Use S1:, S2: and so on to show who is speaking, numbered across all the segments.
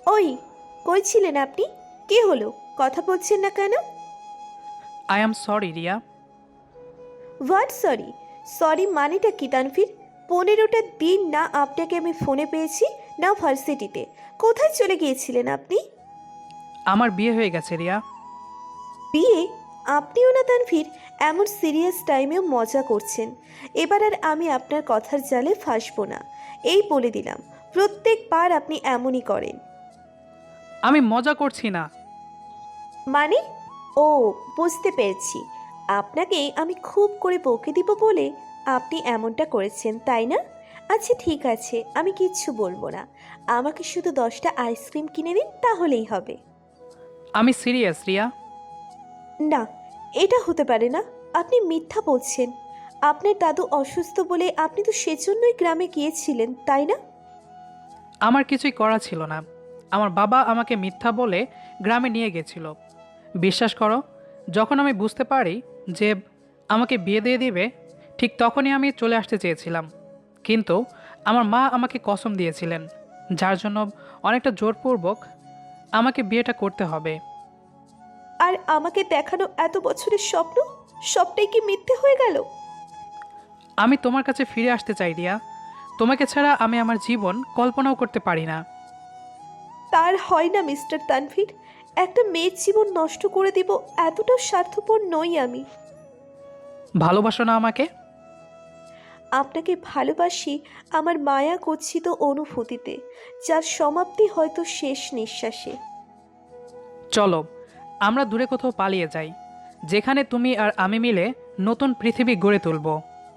S1: ওই, কই ছিলেন আপনি? কি হলো, কথা বলছেন না কেন?
S2: I am sorry Riya.
S1: What sorry? Sorry মানেটা কি তানভীর? 15টা দিন না আপনাকে আমি ফোনে পেয়েছি, না ভার্সিটিতে। কোথায় চলে গিয়েছিলেন আপনি?
S2: আমার বিয়ে হয়ে গেছে রিয়া।
S1: বিয়ে? আপনিও না তানভীর, এমন সিরিয়াস টাইমেও মজা করছেন। এবার আর আমি আপনার কথার জালে ফাঁসবো না, এই বলে দিলাম। প্রত্যেকবার আপনি এমনই করেন।
S2: আমি মজা করছি না।
S1: মানে? ও, বুঝতে পেরেছি। আপনাকে আমি খুব করে বকে দিব বলে আপনি এমনটা করেছেন, তাই না? আচ্ছা ঠিক আছে, আমি কিচ্ছু বলবো না। আমাকে শুধু 10টা আইসক্রিম কিনে দিন, তাহলেই হবে।
S2: আমি সিরিয়াস রিয়া।
S1: না, এটা হতে পারে না। আপনি মিথ্যা বলছেন। আপনার দাদু অসুস্থ বলে আপনি তো সেজন্যই গ্রামে গিয়েছিলেন, তাই না?
S2: আমার কিছুই করা ছিল না। আমার বাবা আমাকে মিথ্যা বলে গ্রামে নিয়ে গেছিল। বিশ্বাস করো, যখন আমি বুঝতে পারি যে আমাকে বিয়ে দিয়ে দিবে, ঠিক তখনই আমি চলে আসতে চেয়েছিলাম। কিন্তু আমার মা আমাকে কসম দিয়েছিলেন, যার জন্য অনেকটা জোরপূর্বক আমাকে বিয়েটা করতে হবে।
S1: আর আমাকে দেখানো এত বছরের স্বপ্ন, সবটাই কি মিথ্যে হয়ে গেল?
S2: আমি তোমার কাছে ফিরে আসতে চাই রিয়া। তোমাকে ছাড়া আমি আমার জীবন কল্পনাও করতে পারি না।
S1: তার হয় না মিস্টার তানভীর। একটা মেয়ের জীবন নষ্ট করে দিব, এতটা স্বার্থপর নই আমি।
S2: ভালোবাসো না আমাকে?
S1: আপনাকে ভালোবাসি আমার মায়া গচ্ছিত অনুভূতিতে, যার সমাপ্তি হয়তো শেষ নিঃশ্বাসে।
S2: চলো আমরা দূরে কোথাও পালিয়ে যাই, যেখানে তুমি আর আমি মিলে নতুন পৃথিবী গড়ে তুলব।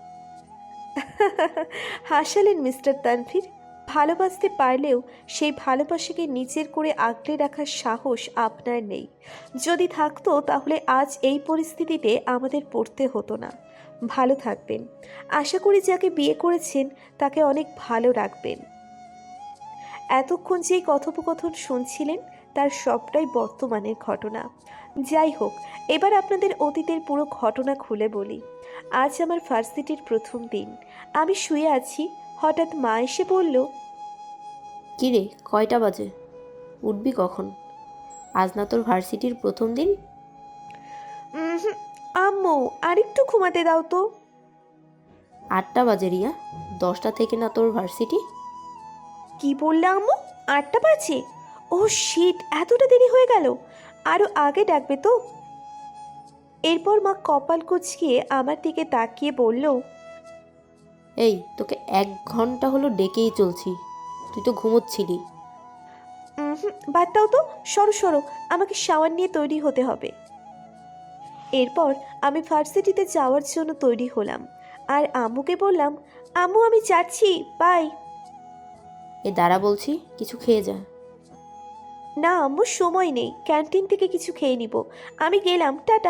S1: হাসালেন মিস্টার তানভীর। ভালোবাসতে পারলেও সেই ভালোবাসাকে নিজের করে আগলে রাখার সাহস আপনার নেই। যদি থাকতো তাহলে আজ এই পরিস্থিতিতে আমাদের পড়তে হতো না। ভালো থাকবেন। আশা করি যাকে বিয়ে করেছেন তাকে অনেক ভালো রাখবেন। এতক্ষণ যেই কথোপকথন শুনছিলেন তার সবটাই বর্তমানের ঘটনা। যাই হোক, এবার আপনাদের অতীতের পুরো ঘটনা খুলে বলি। আজ আমার ভার্সিটির প্রথম দিন। আমি শুয়ে আছি, হঠাৎ মা এসে বলল,
S3: কিরে, কয়টা বাজে? উঠবি কখন? আজ না তোর ভার্সিটির প্রথম দিন?
S1: "উহুম, আম্মু, আরেকটু ঘুমাতে দাও তো।"
S3: 8টা বাজে রিয়া। 10টা থেকে না তোর ভার্সিটি?
S1: কি বললে আম্মু? 8টা বাজে? ও শিট, এতটা দেরি হয়ে গেল। আরো আগে ডাকবে তো। এরপর মা কপাল কুঁচকিয়ে আমার দিকে তাকিয়ে বলল,
S3: এই, তোকে 1 ঘন্টা হলো ডেকেই চলছি, তুই তো ঘুমোচ্ছিলি।
S1: বাদ দাও তো, সরো সরো, আমাকে শাওয়ার নিয়ে তৈরি হতে হবে। এরপর আমি ভার্সিটিতে যাওয়ার জন্য তৈরি হলাম আর আম্মুকে বললাম, আম্মু আমি যাচ্ছি, বাই।
S3: এ দাঁড়া বলছি, কিছু খেয়ে যা।
S1: না আম্মু, সময় নেই, ক্যান্টিন থেকে কিছু খেয়ে নিব। আমি গেলাম, টাটা।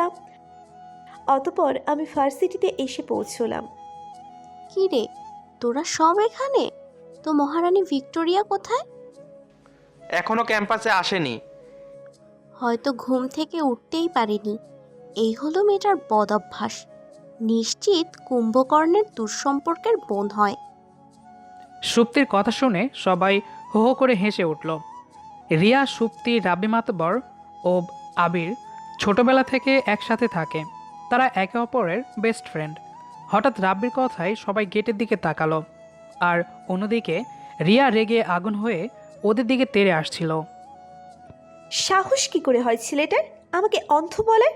S1: অতপর আমি ভার্সিটিতে এসে পৌঁছলাম।
S4: কি রে, তোরা সব এখানে? তো মহারানী ভিক্টোরিয়া কোথায়?
S5: এখনো ক্যাম্পাসে আসেনি।
S4: হয়তো ঘুম থেকে উঠতেই পারেনি। এই হলো মেয়েটার বদ অভ্যাস। নিশ্চিত কুম্ভকর্ণের দুঃসম্পর্কের বোন হয়।
S2: সুপ্তির কথা শুনে সবাই হো হো করে হেসে উঠল। রিয়া, সুপ্তি, রাব্বি মাতবর ও আবির ছোটবেলা থেকে একসাথে থাকে। তারা একে অপরের বেস্ট ফ্রেন্ড। হঠাৎ রাব্বির কথায় সবাই গেটের দিকে তাকালো, আর অন্যদিকে রিয়া রেগে আগুন হয়ে ওদের দিকে তেড়ে আসছিল।
S1: সাহস কি করে হয় ছেলেটার আমাকে অন্ধ বলে?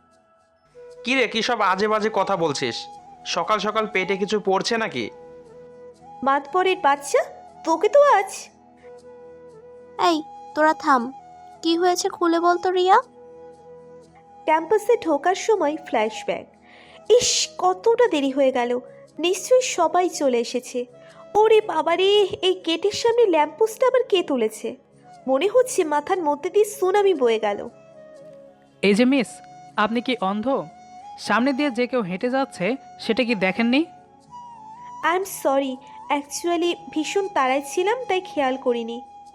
S5: কি রে, কি সব আজে বাজে কথা বলছিস? সকাল সকাল পেটে কিছু পড়ছে নাকি?
S1: মাতবরের বাচ্চা, তোকে তো আজ।
S4: এই, তোরা থাম। কি হয়েছে খুলে বলতো রিয়া।
S1: ক্যাম্পাসে ঢোকার সময় ফ্ল্যাশব্যাক। ইস, কতটা দেরি হয়ে গেল। নিশ্চয়ই সবাই চলে এসেছে। ওরে বাবারে, এই গেটের সামনে ল্যাম্পপোস্টটা আবার কে তুলেছে? মনে হচ্ছে মাথার মধ্যে দিয়ে সুনামি বয়ে গেল।
S2: এই যে মিস, আপনি কি অন্ধ? সামনে দিয়ে যে কেউ হেঁটে যাচ্ছে সেটা কি দেখেননি?
S1: আই এম সরি, অ্যাকচুয়ালি ভীষণ তাড়ায় ছিলাম, তাই খেয়াল করিনি।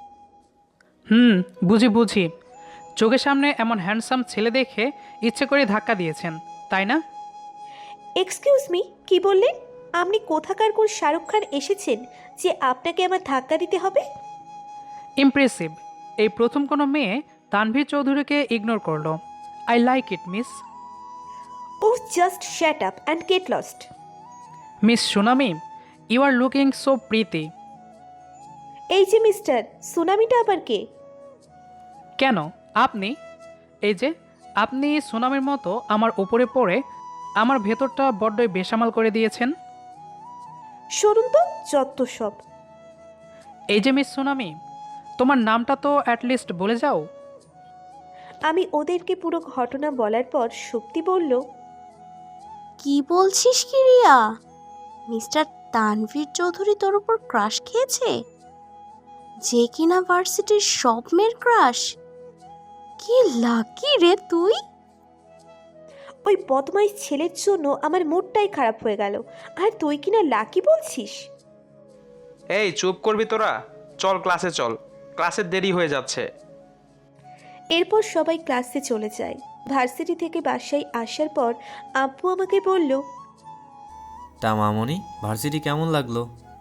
S2: বুঝি বুঝি। চোখের সামনে এমন হ্যান্ডসাম ছেলে দেখে ইচ্ছে করে ধাক্কা দিয়েছেন, তাই না?
S1: এক্সকিউজ মি, কি বললেন? আপনি কোথাকার কোন শাহরুখ খান এসেছেন যে আপনাকে আমার ধাক্কা দিতে হবে?
S2: ইমপ্রেসিভ। এই প্রথম কোনো মেয়ে তানভীর চৌধুরীকে ইগনোর করলো। I like it miss.
S1: Oh just shut up and get lost.
S2: Miss tsunami, you are looking so pretty.
S1: এই যে মিস্টার, সুনামিটা আবার কে?
S2: কেন আপনি? এই যে আপনি সুনামির মতো আমার উপরে পড়ে আমার ভেতরটা বড্ডই বেসামাল করে দিয়েছেন।
S1: সরুন তো, যত সব।
S2: এই যে মিস সুনামি, তোমার নামটা তো অ্যাটলিস্ট বলে যাও।
S1: আমি ওদেরকে পুরো ঘটনা বলার পর শক্তি বলল,
S4: কি বলছিস কি রিয়া? মিস্টার তানভীর চৌধুরী তোর উপর ক্রাশ খেয়েছে? যে কিনা ভার্সিটির সব মেয়ের ক্রাশ? কি লাকি রে তুই!
S1: ওই বদমাইশ ছেলের জন্য আমার মুডটাই খারাপ হয়ে গেল, আর তুই কিনা লাকি বলছিস?
S5: এই চুপ করবি তোরা? চল ক্লাসে চল, ক্লাসের দেরি হয়ে যাচ্ছে।
S1: এরপর সবাই ক্লাসে চলে যায়। ভার্সিটি থেকে বাসায় আসার পর আব্বু আমাকে বলল,
S6: তা মামনি, ভার্সিটি কেমন লাগলো?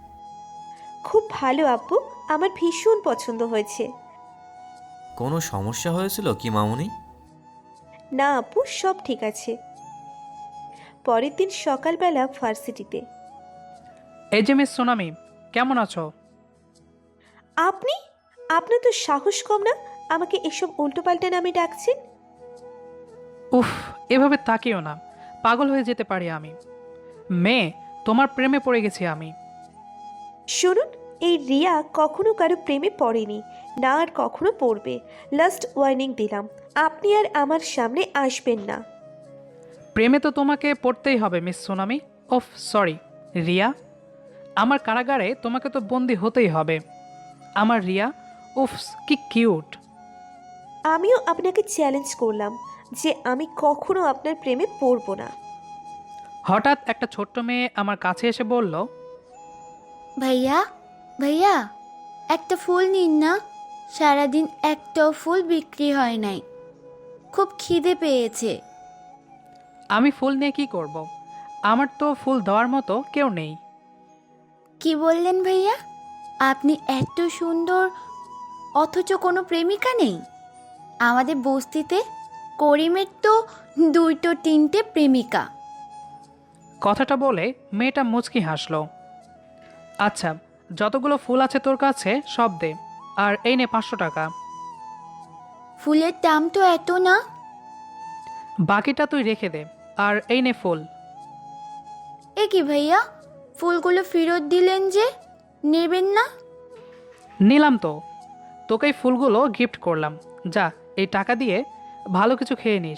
S1: খুব ভালো আব্বু, আমার ভীষণ পছন্দ হয়েছে।
S6: কোনো সমস্যা হয়েছিল কি মামনি?
S1: না আব্বু, সব ঠিক আছে। পরের দিন সকালবেলা ভার্সিটিতে।
S2: এই যে মিস সুনামি, কেমন আছো?
S1: আপনি? আপনার তো সাহস কম না আমাকে এসব উল্টোপাল্টা নামে ডাকছেন?
S2: উফ, এভাবে তাকিও না, পাগল হয়ে যেতে পারি আমি। মেয়ে, তোমার প্রেমে পড়ে গেছি আমি।
S1: শুনুন, এই রিয়া কখনো কারো প্রেমে পড়েনি, না আর কখনো পড়বে। লাস্ট ওয়ার্নিং দিলাম, আপনি আর আমার সামনে আসবেন না।
S2: প্রেমে তো তোমাকে পড়তেই হবে মিস সুনামি। ওফ সরি রিয়া, আমার কারাগারে তোমাকে তো বন্দি হতেই হবে। আমার রিয়া, উফস কি কিউট।
S1: আমিও আপনাকে চ্যালেঞ্জ করলাম যে আমি কখনো আপনার প্রেমে পড়ব না।
S2: হঠাৎ একটা ছোট্ট মেয়ে আমার কাছে এসে বলল,
S7: ভাইয়া ভাইয়া, একটা ফুল নিন না, সারাদিন একটাও ফুল বিক্রি হয় নাই, খুব খিদে পেয়েছে।
S2: আমি ফুল নিয়ে কি করব? আমার তো ফুল দেওয়ার মতো কেউ নেই।
S7: কি বললেন ভাইয়া? আপনি এত সুন্দর অথচ কোনো প্রেমিকা নেই? আমাদের বস্তিতে করিমের তো 2-3টে প্রেমিকা।
S2: কথাটা বলে মেয়েটা মুচকি হাসলো। আচ্ছা, যতগুলো ফুল আছে তোর কাছে সব দে, আর এই নে 500 টাকা।
S7: ফুলের দাম তো এত না।
S2: বাকিটা তুই রেখে দে, আর এই নে ফুল।
S7: এ কি ভাইয়া, ফুলগুলো ফেরত দিলেন যে, নেবেন না?
S2: নিলাম তো, তোকে এই ফুলগুলো গিফট করলাম। যা, এই টাকা দিয়ে ভালো কিছু খেয়ে নিস।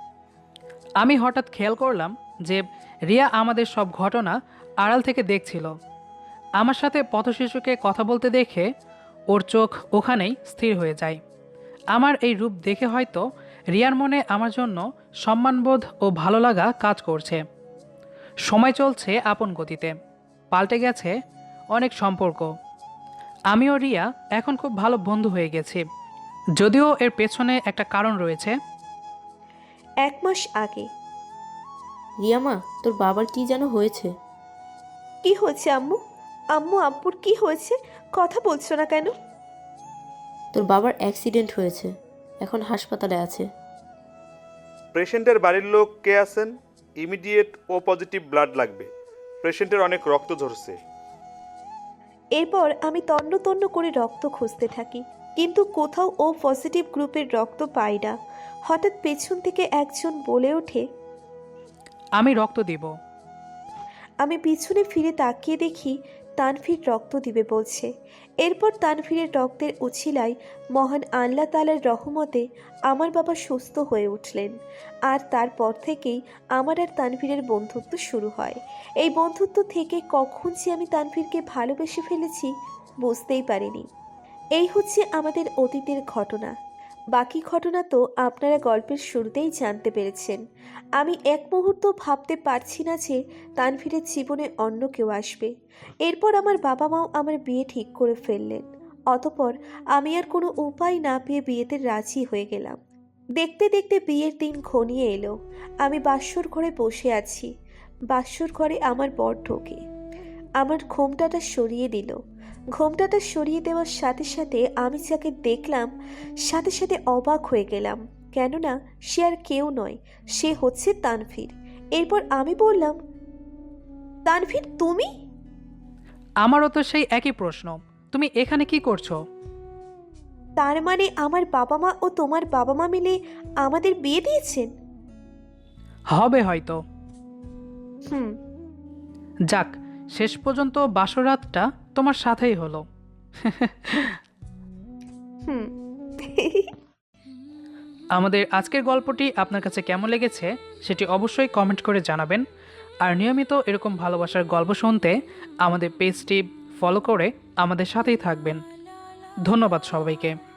S2: আমি হঠাৎ খেয়াল করলাম যে রিয়া আমাদের সব ঘটনা আড়াল থেকে দেখছিল। আমার সাথে পথশিশুকে কথা বলতে দেখে ওর চোখ ওখানেই স্থির হয়ে যায়। আমার এই রূপ দেখে হয়তো রিয়ার মনে আমার জন্য সম্মানবোধ ও ভালো লাগা কাজ করছে। সময় চলছে আপন গতিতে, পাল্টে গেছে অনেক সম্পর্ক। আমি ও রিয়া এখন খুব ভালো বন্ধু হয়ে গেছি, যদিও এর পেছনে একটা কারণ রয়েছে।
S1: 1 মাস আগে।
S3: রিয়ামা, তোর বাবার কি যেন হয়েছে?
S1: কি হয়েছে আম্মু? আম্মু, আব্বুর কি হয়েছে? কথা বলছো না কেন?
S3: তোর বাবার অ্যাক্সিডেন্ট হয়েছে, এখন হাসপাতালে আছে।
S8: পেশেন্টের বাড়ির লোক কে আছেন? ইমিডিয়েট ও পজিটিভ ব্লাড লাগবে, পেশেন্টের অনেক রক্ত ঝরছে।
S1: এরপর আমি তন্ন তন্ন করে রক্ত খুঁজতে থাকি, কিন্তু কোথাও ও পজিটিভ গ্রুপের রক্ত পাই না। হঠাৎ পেছন থেকে একজন বলে ওঠে,
S2: আমি রক্ত দিব।
S1: আমি পিছনে ফিরে তাকিয়ে দেখি তানভীর রক্ত দিবে বলছে। এরপর তানভীরের রক্তের উছিলায় মহান আল্লাহ তাআলার রহমতে আমার বাবা সুস্থ হয়ে উঠলেন। আর তারপর থেকেই আমার আর তানভীরের বন্ধুত্ব শুরু হয়। এই বন্ধুত্ব থেকে কখন যে আমি তানভীরকে ভালোবেসে ফেলেছি বুঝতেই পারিনি। এই হচ্ছে আমাদের অতীতের ঘটনা। বাকি ঘটনা তো আপনারা গল্পের শুরুতেই জানতে পেরেছেন। আমি এক মুহূর্ত ভাবতে পারছি না যে তানভীরের জীবনে অন্য কেউ আসবে। এরপর আমার বাবা মাও আমার বিয়ে ঠিক করে ফেললেন। অতপর আমি আর কোনো উপায় না পেয়ে বিয়েতে রাজি হয়ে গেলাম। দেখতে দেখতে বিয়ের দিন ঘনিয়ে এলো। আমি বাসর ঘরে বসে আছি। বাসর ঘরে আমার বর ঢোকে, আমার ঘোমটাটা সরিয়ে দিল। ঘোমটাটা সরিয়ে দেওয়ার সাথে সাথে আমি যাকে দেখলাম সাথে সাথে অবাক হয়ে গেলাম, কেননা সে আর কেউ নয়, সে হচ্ছে তানভীর। এরপর আমি বললাম, তানভীর তুমি?
S2: আমারও তো সেই একই প্রশ্ন, তুমি এখানে কি করছো?
S1: তার মানে আমার বাবা মা ও তোমার বাবা মা মিলে আমাদের বিয়ে দিয়েছেন?
S2: হবে হয়তো।
S1: হুম।
S2: যাক, শেষ পর্যন্ত বাসরাতটা তোমার সাথেই হলো।
S1: হুম।
S2: আমাদের আজকের গল্পটি আপনার কাছে কেমন লেগেছে সেটি অবশ্যই কমেন্ট করে জানাবেন। আর নিয়মিত এরকম ভালোবাসার গল্প শুনতে আমাদের পেজটি ফলো করে আমাদের সাথেই থাকবেন। ধন্যবাদ সবাইকে।